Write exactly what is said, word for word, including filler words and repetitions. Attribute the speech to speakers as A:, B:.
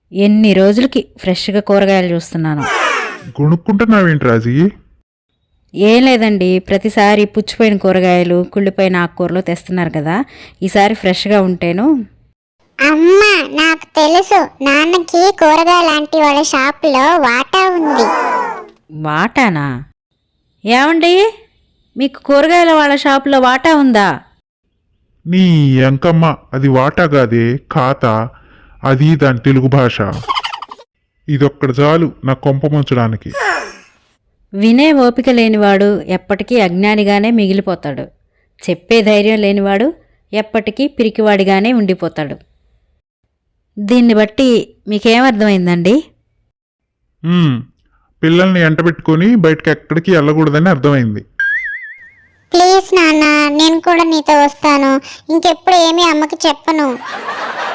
A: ఎన్ని రోజులకి ఫ్రెష్గా కూరగాయలు చూస్తున్నాను.
B: కొనుక్కుంటున్నావేంటి రాజీ?
A: ఏం లేదండి, ప్రతిసారి పుచ్చిపోయిన కూరగాయలు కుళ్ళిపోయిన ఆకుకూరలు తెస్తున్నారు కదా, ఈసారి ఫ్రెష్గా ఉంటేను.
C: అమ్మా నాకు తెలుసు, నాన్నకి కూరగాయలాంటి వాళ్ళ షాపులో వాటా ఉంది.
A: వాటానా? ఏమండి, మీకు కూరగాయల వాళ్ళ షాపులో వాటా ఉందా?
B: నీ ఎంకమ్మ, అది వాటా కాదే, ఖాతా. అది దాని తెలుగు భాష. ఇదొక్కడ చాలు నా కొంప ముంచడానికి.
A: వినే ఓపిక లేనివాడు ఎప్పటికీ అజ్ఞానిగానే మిగిలిపోతాడు. చెప్పే ధైర్యం లేనివాడు ఎప్పటికీ పిరికివాడిగానే ఉండిపోతాడు. దీన్ని బట్టి మీకేమర్థమైందండి?
B: ఉమ్, పిల్లల్ని ఎంటబెట్టుకొని బయటకు ఎక్కడికి వెళ్ళకూడదని అర్థమైంది.
C: ప్లీజ్ నాన్న, నేను కూడా నీతో వస్తాను. ఇంకెప్పుడు ఏమీ అమ్మకి చెప్పను.